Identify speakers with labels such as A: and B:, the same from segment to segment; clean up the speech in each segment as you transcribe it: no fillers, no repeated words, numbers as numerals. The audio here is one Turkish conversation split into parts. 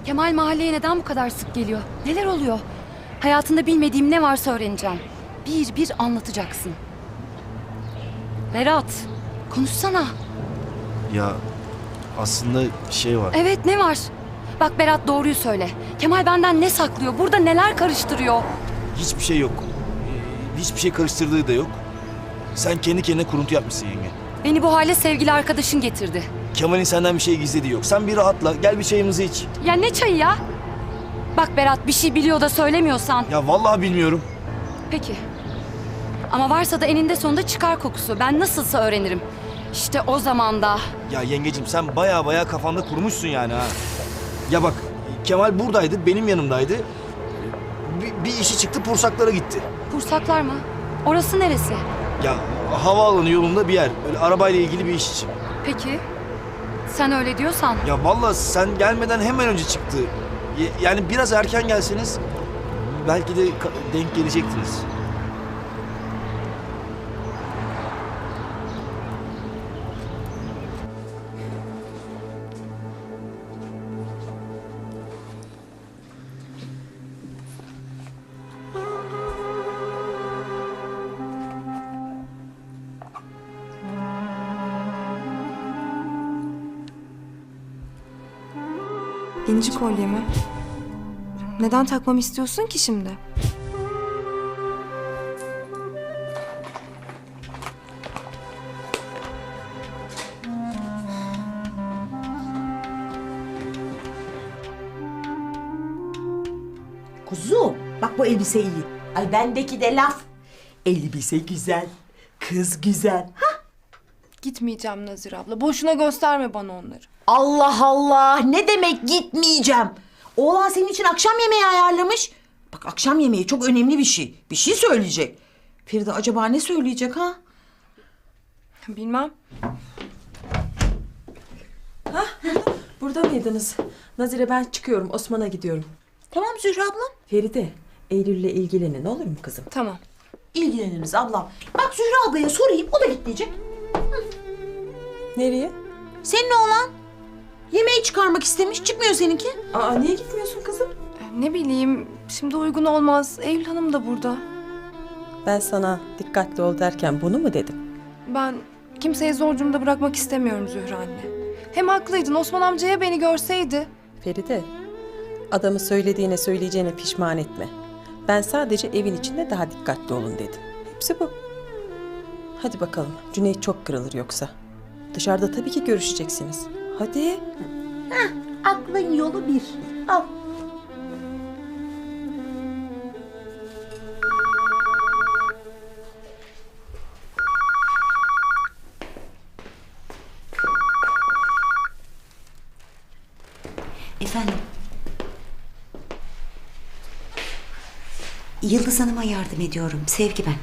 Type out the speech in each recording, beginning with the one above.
A: Kemal mahalleye neden bu kadar sık geliyor? Neler oluyor? Hayatında bilmediğim ne varsa öğreneceğim. Bir bir anlatacaksın. Berat, konuşsana.
B: Ya aslında şey var.
A: Evet, ne var? Bak Berat, doğruyu söyle. Kemal benden ne saklıyor? Burada neler karıştırıyor?
B: Hiçbir şey yok. Hiçbir şey karıştırdığı da yok. Sen kendi kendine kuruntu yapmışsın yenge.
A: Beni bu hale sevgili arkadaşın getirdi.
B: Kemal'in senden bir şey gizlediği yok. Sen bir rahatla. Gel bir çayımızı iç.
A: Ya ne çayı ya? Bak Berat, bir şey biliyor da söylemiyorsan.
B: Ya vallahi bilmiyorum.
A: Peki. Ama varsa da eninde sonunda çıkar kokusu. Ben nasılsa öğrenirim. İşte o zaman da...
B: Ya yengecim sen baya kafanda kurmuşsun yani ha. Ya bak Kemal buradaydı, benim yanımdaydı. Bir işi çıktı, Pursaklara gitti.
A: Pursaklar mı? Orası neresi?
B: Ya havaalanı yolunda bir yer. Böyle arabayla ilgili bir iş için.
A: Peki. Sen öyle diyorsan.
B: Ya vallahi sen gelmeden hemen önce çıktı. Yani biraz erken gelseniz belki de denk gelecektiniz.
C: İnci kolye mi? Neden takmamı istiyorsun ki şimdi?
D: Kuzum bak bu elbise iyi. Ay bendeki de laf. Elbise güzel. Kız güzel. Ha?
C: Gitmeyeceğim Nazire abla. Boşuna gösterme bana onları.
D: Allah Allah ne demek gitmeyeceğim. Oğlan senin için akşam yemeği ayarlamış. Bak akşam yemeği çok önemli bir şey. Bir şey söyleyecek. Feride acaba ne söyleyecek ha?
C: Bilmem.
E: Burada mıydınız? Nazire ben çıkıyorum. Osman'a gidiyorum.
D: Tamam Zühre ablam.
E: Feride, Eylül'le ilgilenin olur mu kızım?
C: Tamam.
D: İlgileniriz ablam. Bak Zühre ablaya sorayım o da gitmeyecek.
E: Nereye?
D: Senin oğlan yemeği çıkarmak istemiş çıkmıyor seninki.
E: Aa niye gitmiyorsun kızım?
C: Ne bileyim, şimdi uygun olmaz. Eylül Hanım da burada.
E: Ben sana dikkatli ol derken bunu mu dedim?
C: Ben kimseyi zor durumda bırakmak istemiyorum Zühre anne. Hem haklıydın, Osman amcaya beni görseydi.
E: Feride, adamı söylediğine söyleyeceğine pişman etme. Ben sadece evin içinde daha dikkatli olun dedim. Hepsi bu. Hadi bakalım, Cüneyt çok kırılır yoksa. Dışarıda tabii ki görüşeceksiniz. Hadi.
D: Aklın yolu bir. Al.
F: Efendim? Yıldız Hanım'a yardım ediyorum. Sevgi ben.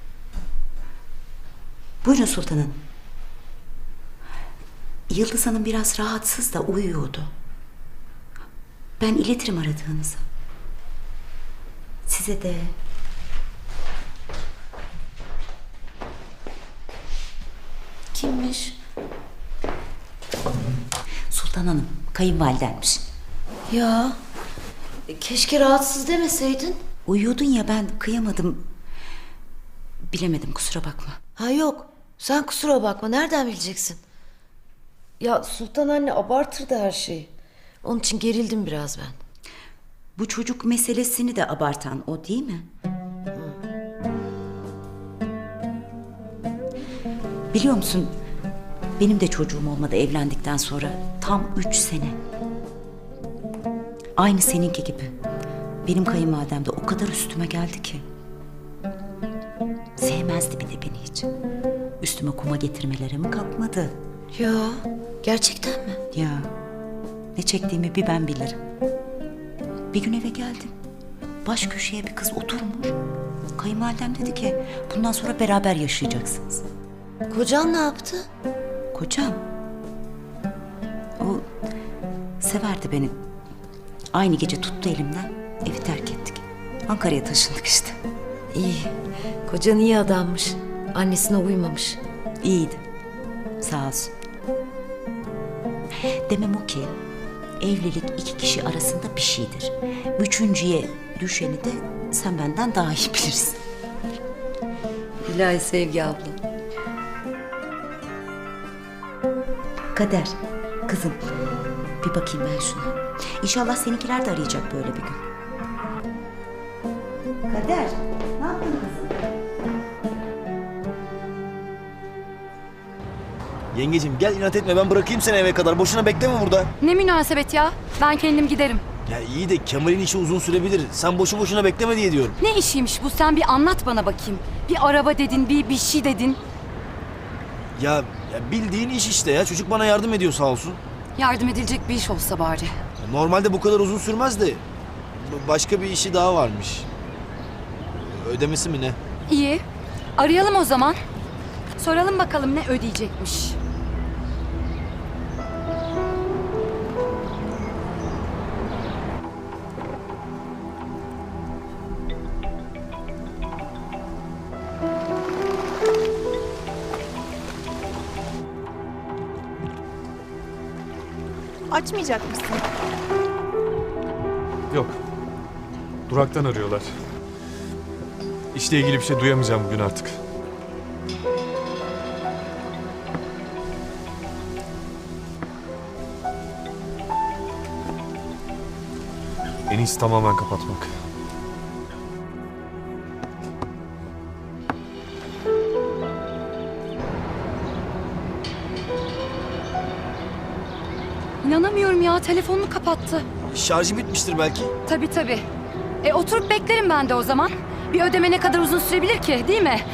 F: Buyurun sultanım. Yıldız Hanım biraz rahatsız da uyuyordu. Ben iletirim aradığınızı. Size de. Kimmiş? Sultan Hanım, kayınvalidenmiş.
G: Ya keşke rahatsız demeseydin.
F: Uyuyordun ya, ben kıyamadım. Bilemedim, kusura bakma.
G: Ha yok, sen kusura bakma, nereden bileceksin? Ya Sultan anne abartırdı her şeyi. Onun için gerildim biraz ben.
F: Bu çocuk meselesini de abartan o değil mi? Biliyor musun, benim de çocuğum olmadı evlendikten sonra. Tam 3 sene. Aynı seninki gibi. Benim kayınvalidem de o kadar üstüme geldi ki. Sevmezdi bir de beni hiç. Üstüme kuma getirmelere mi kalkmadı?
G: Ya gerçekten mi?
F: Ya ne çektiğimi bir ben bilirim. Bir gün eve geldim. Baş köşeye bir kız oturmuş. Kayınvalidem dedi ki bundan sonra beraber yaşayacaksınız.
G: Kocan ne yaptı?
F: Kocam. O severdi beni. Aynı gece tuttu elimden. Evi terk ettik. Ankara'ya taşındık işte.
G: İyi, kocan iyi adammış. Annesine uymamış.
F: İyiydi. Sağ olsun. Demem o ki evlilik iki kişi arasında bir şeydir. Üçüncüye düşeni de sen benden daha iyi bilirsin.
G: İlahi Sevgi abla.
F: Kader, kızım bir bakayım ben şuna. İnşallah seninkiler de arayacak böyle bir gün. Kader, ne yaptın kızım?
B: Yengecim gel inat etme, ben bırakayım seni eve kadar. Boşuna bekleme burada.
A: Ne münasebet ya? Ben kendim giderim.
B: Ya iyi de Kemal'in işi uzun sürebilir. Sen boşu boşuna bekleme diye diyorum.
A: Ne işiymiş bu? Sen bir anlat bana bakayım. Bir araba dedin, bir şey dedin.
B: Ya bildiğin iş işte ya. Çocuk bana yardım ediyor sağ olsun.
A: Yardım edilecek bir iş olsa bari.
B: Normalde bu kadar uzun sürmez de başka bir işi daha varmış. Ödemesi mi ne?
A: İyi. Arayalım o zaman. Soralım bakalım ne ödeyecekmiş.
H: Açmayacak mısın?
I: Yok. Duraktan arıyorlar. İşle ilgili bir şey duyamayacağım bugün artık. En iyisi tamamen kapatmak.
A: İnanamıyorum ya, telefonunu kapattı.
B: Şarjı bitmiştir belki.
A: Tabii tabii. Oturup beklerim ben de o zaman. Bir ödeme ne kadar uzun sürebilir ki, değil mi?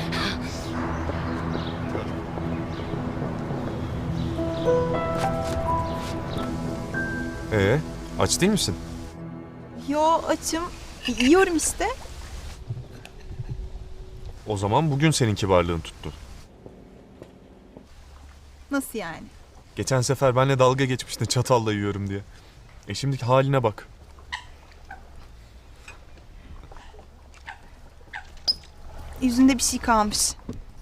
I: Aç değil misin?
H: Yo, açım. Yiyorum işte.
I: O zaman bugün senin kibarlığın tuttu.
H: Nasıl yani?
I: Geçen sefer benimle dalga geçmiştin çatalla yiyorum diye. Şimdiki haline bak.
H: Yüzünde bir şey kalmış.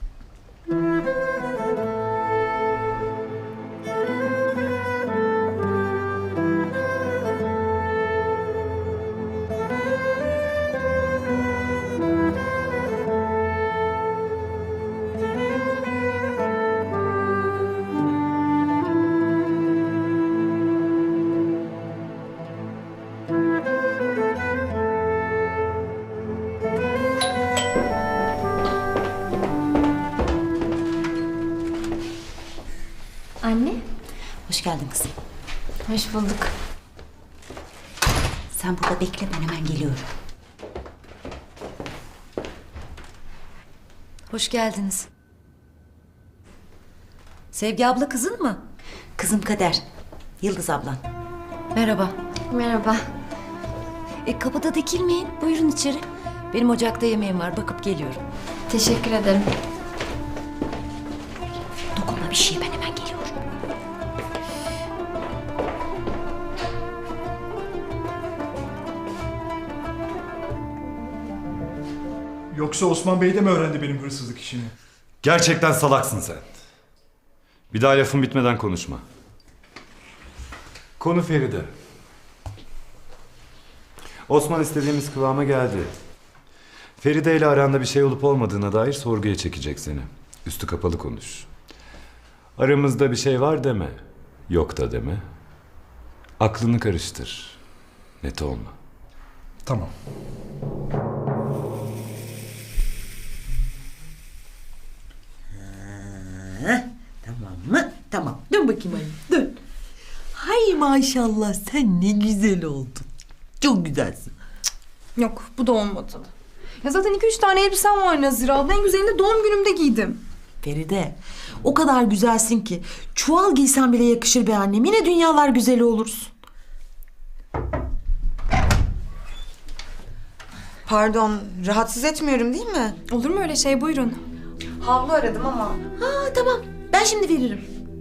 A: Anne.
F: Hoş geldin kızım.
A: Hoş bulduk.
F: Sen burada bekle, ben hemen geliyorum.
G: Hoş geldiniz. Sevgi abla kızın mı?
F: Kızım Kader, Yıldız ablan.
G: Merhaba.
A: Merhaba.
G: Kapıda dikilmeyin. Buyurun içeri. Benim ocakta yemeğim var. Bakıp geliyorum.
A: Teşekkür ederim.
F: Dokunma bir şeye, ben hemen geliyorum.
J: Yoksa Osman Bey de mi öğrendi benim hırsızlık işini?
K: Gerçekten salaksın sen. Bir daha lafın bitmeden konuşma. Konu Feride. Osman istediğimiz kıvama geldi. Feride ile aranda bir şey olup olmadığına dair sorguya çekecek seni. Üstü kapalı konuş. Aramızda bir şey var deme. Yok da deme. Aklını karıştır. Net olma.
J: Tamam.
D: Tamam mı? Tamam. Dön bakayım anne. Dön. Hay maşallah sen ne güzel oldun. Çok güzelsin.
C: Yok, bu da olmadı. Ya zaten 2-3 tane elbisem var Nazire abla. En güzelini de doğum günümde giydim.
D: Feride, o kadar güzelsin ki çuval giysen bile yakışır be annem. Yine dünyalar güzeli olursun.
L: Pardon, rahatsız etmiyorum değil mi?
C: Olur mu öyle şey? Buyurun. Havlu aradım ama.
D: Ha tamam. Ben şimdi veririm.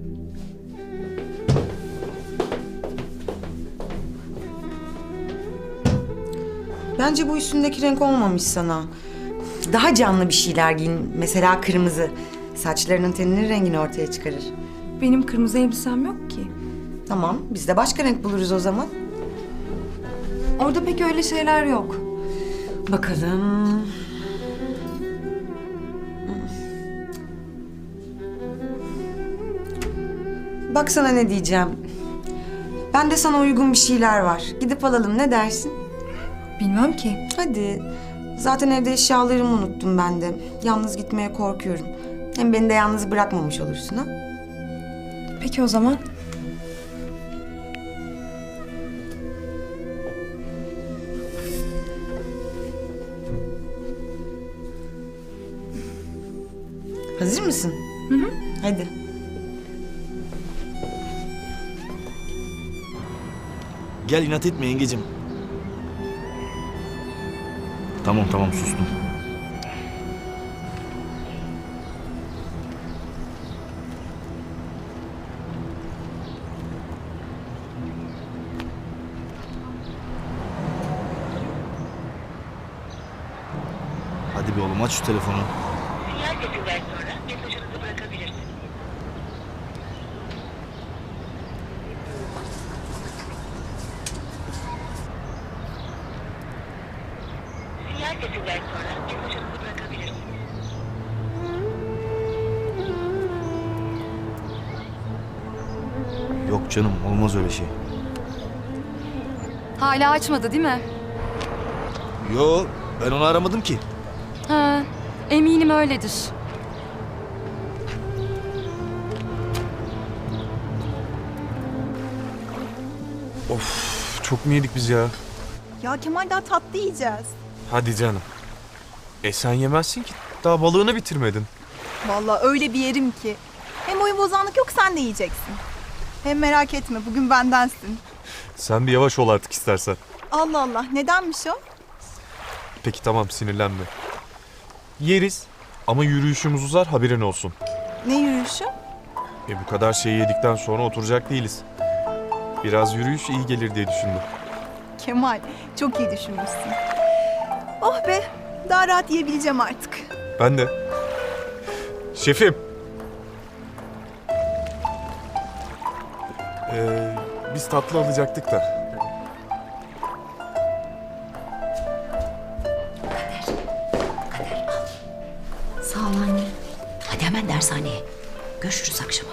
L: Bence bu üstündeki renk olmamış sana. Daha canlı bir şeyler giyin. Mesela kırmızı. Saçlarının teninin rengini ortaya çıkarır.
C: Benim kırmızı elbisem yok ki.
L: Tamam, biz de başka renk buluruz o zaman.
C: Orada pek öyle şeyler yok.
L: Bakalım. Bak sana ne diyeceğim. Bende sana uygun bir şeyler var. Gidip alalım, ne dersin?
C: Bilmem ki.
L: Hadi. Zaten evde eşyalarımı unuttum ben de. Yalnız gitmeye korkuyorum. Hem beni de yalnız bırakmamış olursun ha.
C: Peki o zaman.
L: Hazır mısın?
C: Hı.
L: Hadi.
B: Gel inat etme yengecim. Tamam sustum. Hadi be oğlum aç şu telefonu.
F: Sinyal sesinden sonra mesajınızı bırakabilirsiniz. Sinyal sesinden sonra mesajınızı bırakabilirsiniz.
B: Yok canım olmaz öyle şey.
A: Hala açmadı değil mi?
B: Yo ben onu aramadım ki.
A: Ha, eminim öyledir.
I: Of, çok mu yedik biz ya?
H: Ya Kemal daha tatlı yiyeceğiz.
I: Hadi canım. Sen yemezsin ki. Daha balığını bitirmedin.
H: Vallahi öyle bir yerim ki. Hem oyun bozanlık yok, sen de yiyeceksin. Hem merak etme, bugün bendensin.
I: Sen bir yavaş ol artık istersen.
H: Allah Allah, nedenmiş o?
I: Peki tamam, sinirlenme. Yeriz ama yürüyüşümüz uzar, haberin olsun.
H: Ne yürüyüşü?
I: Bu kadar şeyi yedikten sonra oturacak değiliz. Biraz yürüyüş iyi gelir diye düşündüm.
H: Kemal, çok iyi düşünmüşsün. Oh be, daha rahat yiyebileceğim artık.
I: Ben de. Şefim. Biz tatlı alacaktık da.
F: Sağ ol anne. Hadi hemen dershaneye. Görüşürüz akşama.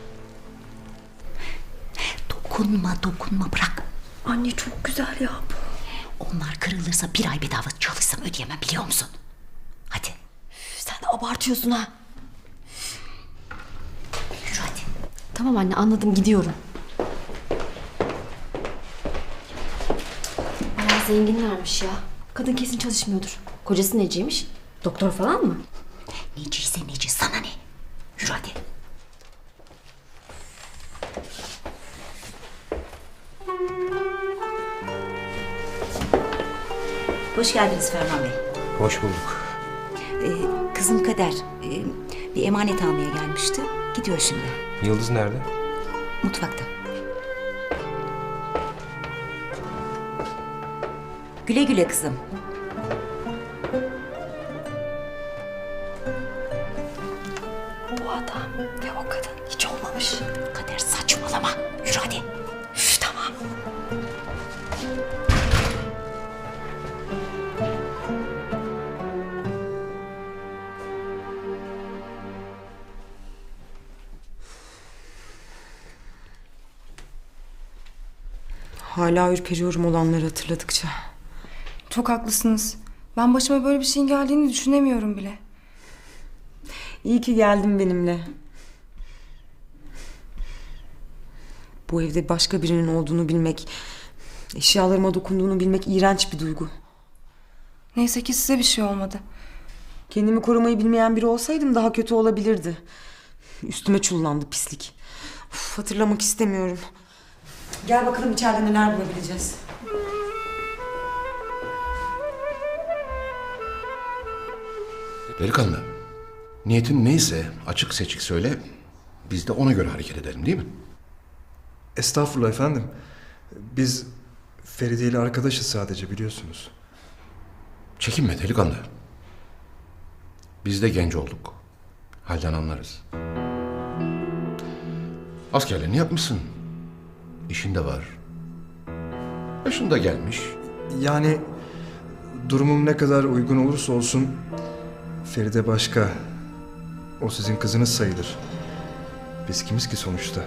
F: Dokunma bırak.
G: Anne çok güzel ya bu.
F: Onlar kırılırsa bir ay bedava çalışsam ödeyemem, biliyor musun? Hadi.
G: Sen de abartıyorsun ha.
F: Yürü hadi.
G: Tamam anne, anladım, gidiyorum. Bayağı zenginlermiş ya. Kadın kesin çalışmıyordur. Kocası neciymiş? Doktor falan mı?
F: Neciyse neci, sana ne? Yürü hadi. Hoş geldiniz Ferman Bey.
B: Hoş bulduk.
F: Kızım Kader bir emanet almaya gelmişti. Gidiyor şimdi.
B: Yıldız nerede?
F: Mutfakta. Güle güle kızım.
G: Bu adam ve o kadın hiç olmamış.
F: Kader saçmalama. Yürü hadi.
G: Üf, tamam.
L: Hala ürperiyorum olanları hatırladıkça.
C: Çok haklısınız. Ben başıma böyle bir şeyin geldiğini düşünemiyorum bile.
L: İyi ki geldin benimle. Bu evde başka birinin olduğunu bilmek, eşyalarıma dokunduğunu bilmek iğrenç bir duygu.
C: Neyse ki size bir şey olmadı.
L: Kendimi korumayı bilmeyen biri olsaydım daha kötü olabilirdi. Üstüme çullandı pislik. Uf, hatırlamak istemiyorum. Gel bakalım içeride neler bulabileceğiz.
M: Delikanlı, niyetin neyse açık seçik söyle, biz de ona göre hareket edelim, değil mi?
J: Estağfurullah efendim. Biz Feride ile arkadaşız sadece, biliyorsunuz.
M: Çekinme delikanlı. Biz de genç olduk. Halden anlarız. Askerliğini yapmışsın. işin de var. Yaşın da gelmiş.
J: Yani durumum ne kadar uygun olursa olsun Feride başka. O sizin kızınız sayılır. Biz kimiz ki sonuçta?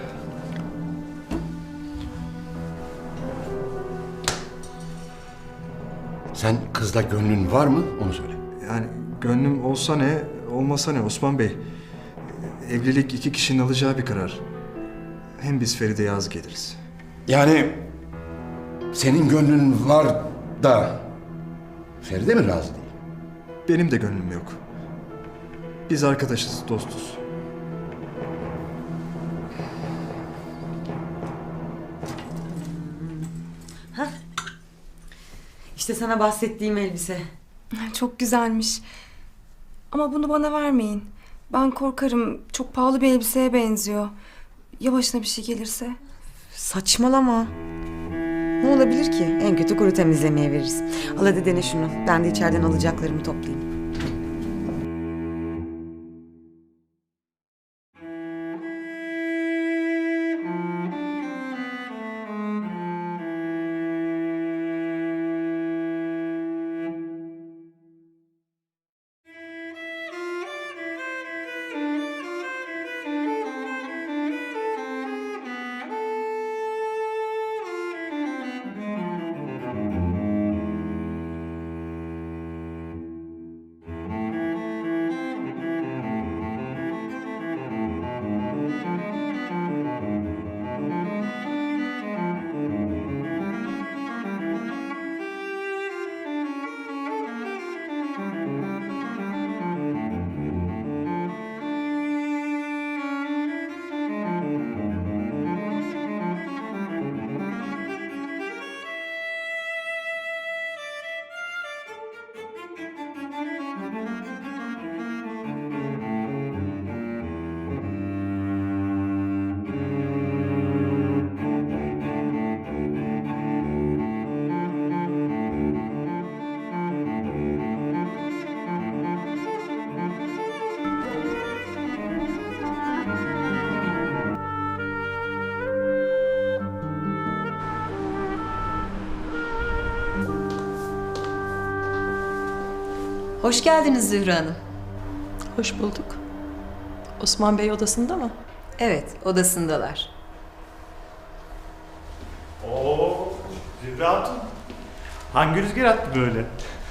M: Sen kızla gönlün var mı? Onu söyle.
J: Yani gönlüm olsa ne, olmasa ne Osman Bey? Evlilik iki kişinin alacağı bir karar. Hem biz Feride'ye az geliriz.
M: Yani senin gönlün var da Feride mi razı değil?
J: Benim de gönlüm yok. Biz arkadaşız, dostuz.
L: İşte sana bahsettiğim elbise.
C: Çok güzelmiş. Ama bunu bana vermeyin. Ben korkarım. Çok pahalı bir elbiseye benziyor. Ya başına bir şey gelirse?
L: Saçmalama. Ne olabilir ki? En kötü kuru temizlemeye veririz. Al hadi dene şunu. Ben de içeriden alacaklarımı toplayayım.
N: Hoş geldiniz Zühre Hanım.
E: Hoş bulduk. Osman Bey odasında mı?
N: Evet, odasındalar.
J: Oo, Zühre Hatun. Hangi rüzgar attı böyle?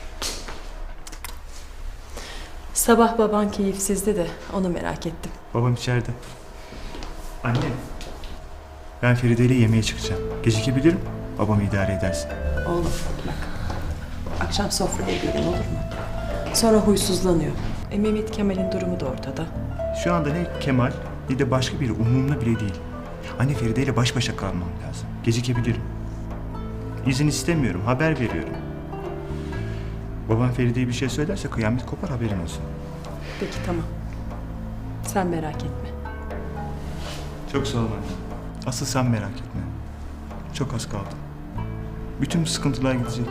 E: Sabah baban keyifsizdi de onu merak ettim.
J: Babam içeride. Anne, ben Feride ile yemeğe çıkacağım. Gecikebilirim, babamı idare edersin.
E: Oğlum bak, akşam sofraya gelin olur mu? Sonra huysuzlanıyor. Mehmet Kemal'in durumu da ortada.
J: Şu anda ne Kemal ne de başka biri umurumda bile değil. Anne Feride ile baş başa kalmam lazım. Gecikebilirim. İzin istemiyorum, haber veriyorum. Babam Feride'ye bir şey söylerse kıyamet kopar, haberin olsun.
E: Peki tamam. Sen merak etme.
J: Çok sağ ol anne. Asıl sen merak etme. Çok az kaldı. Bütün bu sıkıntılar gidecek.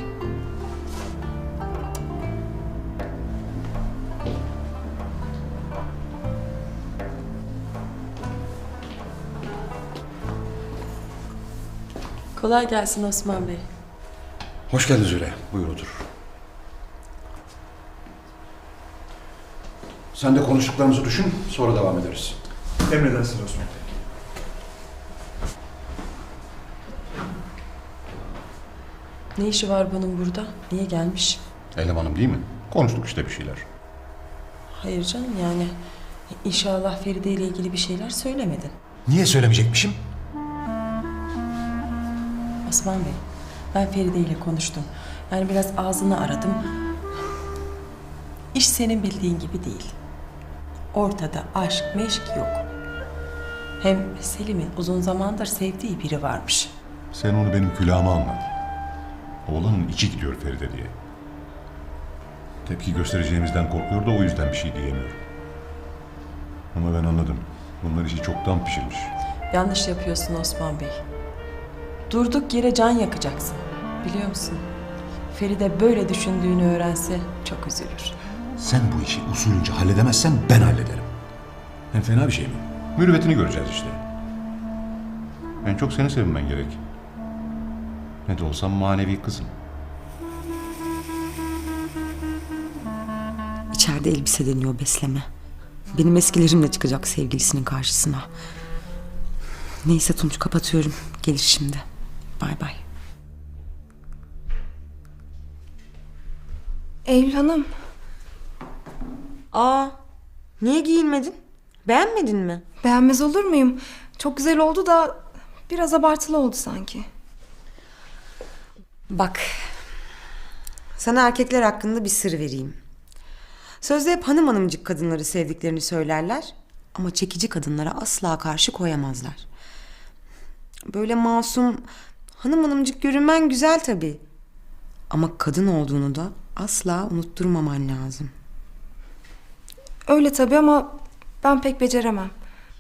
E: Kolay gelsin Osman Bey.
M: Hoş geldin Züle. Buyur otur. Sen de konuştuklarımızı düşün, sonra devam ederiz.
J: Emredersin Osman Bey.
E: Ne işi var bunun burada? Niye gelmiş?
M: Elemanım değil mi? Konuştuk işte bir şeyler.
E: Hayır canım yani. İnşallah Feride ile ilgili bir şeyler söylemedin.
M: Niye söylemeyecekmişim?
E: Osman Bey, ben Feride ile konuştum. Yani biraz ağzını aradım. İş senin bildiğin gibi değil. Ortada aşk, meşk yok. Hem Selim'in uzun zamandır sevdiği biri varmış.
M: Sen onu benim külahıma anlat. Oğlanın içi gidiyor Feride diye. Tepki göstereceğimizden korkuyor da o yüzden bir şey diyemiyor. Ama ben anladım. Bunlar işi çoktan pişirmiş.
E: Yanlış yapıyorsun Osman Bey. Durduk yere can yakacaksın. Biliyor musun? Feride böyle düşündüğünü öğrense çok üzülür.
M: Sen bu işi usulünce halledemezsen ben hallederim. Hem fena bir şey mi? Mürüvvetini göreceğiz işte. En çok seni sevmen gerek. Ne de olsam manevi kızım.
L: İçeride elbise deniyor besleme. Benim eskilerimle çıkacak sevgilisinin karşısına. Neyse Tunç, kapatıyorum. Gelir şimdi. Bay bay.
C: Eylül Hanım.
L: Aa, niye giyinmedin? Beğenmedin mi?
C: Beğenmez olur muyum? Çok güzel oldu da biraz abartılı oldu sanki.
L: Bak, sana erkekler hakkında bir sır vereyim. Sözde hep hanım hanımcık kadınları sevdiklerini söylerler ama çekici kadınlara asla karşı koyamazlar. Böyle masum, hanım hanımcık görünmen güzel tabii. Ama kadın olduğunu da asla unutturmaman lazım.
C: Öyle tabii ama ben pek beceremem.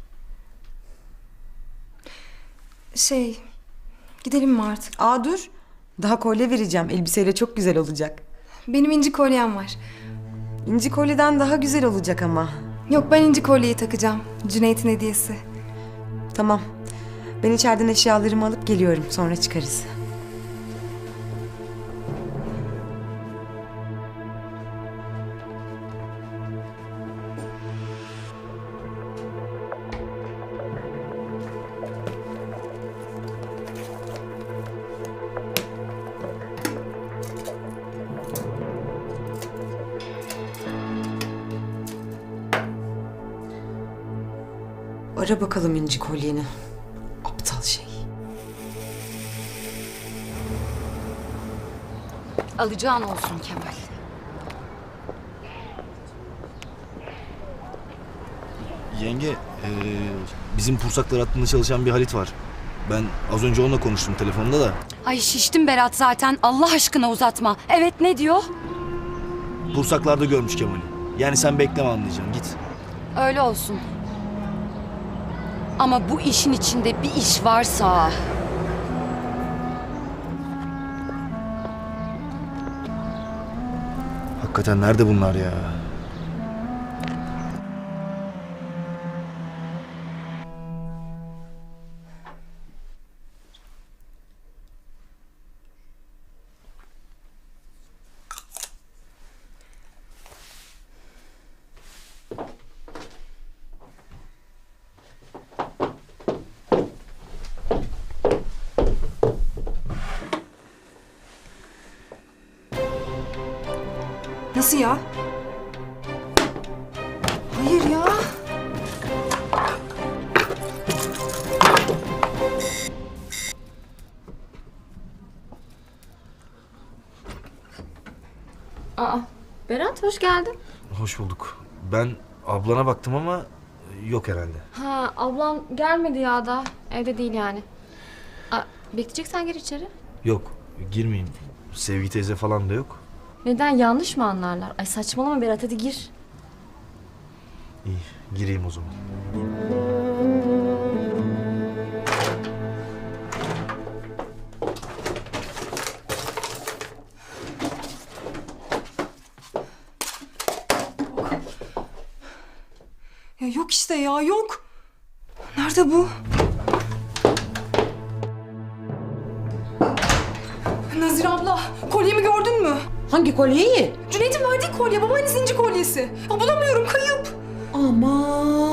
C: Gidelim mi artık?
L: Aa dur, daha kolye vereceğim. Elbiseyle çok güzel olacak.
C: Benim inci kolyem var.
L: İnci kolyeden daha güzel olacak ama.
C: Yok, ben inci kolyeyi takacağım. Cüneyt'in hediyesi.
L: Tamam. Ben içeriden eşyalarımı alıp geliyorum. Sonra çıkarız. Ara bakalım inci kolyeni. Aptal şey.
A: Alacağın olsun Kemal.
B: Yenge, bizim Pursaklar hattında çalışan bir Halit var. Ben az önce onunla konuştum telefonda da.
A: Ay şiştim Berat zaten. Allah aşkına uzatma. Evet, ne diyor?
B: Pursaklar'da görmüş Kemal'i. Yani sen bekleme, anlayacaksın, git.
A: Öyle olsun. Ama bu işin içinde bir iş varsa...
B: Hakikaten nerede bunlar ya?
C: Nasıl ya? Hayır ya.
O: Aa, Berat hoş geldin.
B: Hoş bulduk. Ben ablana baktım ama yok herhalde.
O: Ha, ablam gelmedi ya da. Evde değil yani. Aa, bekleyeceksen gir içeri.
B: Yok, girmeyeyim. Sevgi teyze falan da yok.
O: Neden, yanlış mı anlarlar? Ay saçmalama Berat, hadi gir.
B: İyi, gireyim o zaman.
C: Ya yok işte ya, yok. Nerede bu? Nazire abla, kolyemi gördün mü?
D: Hangi kolyeyi?
C: Cüneyt'in verdiği kolye, babaannesinin inci kolyesi. Ya bulamıyorum, kayıp.
D: Aman.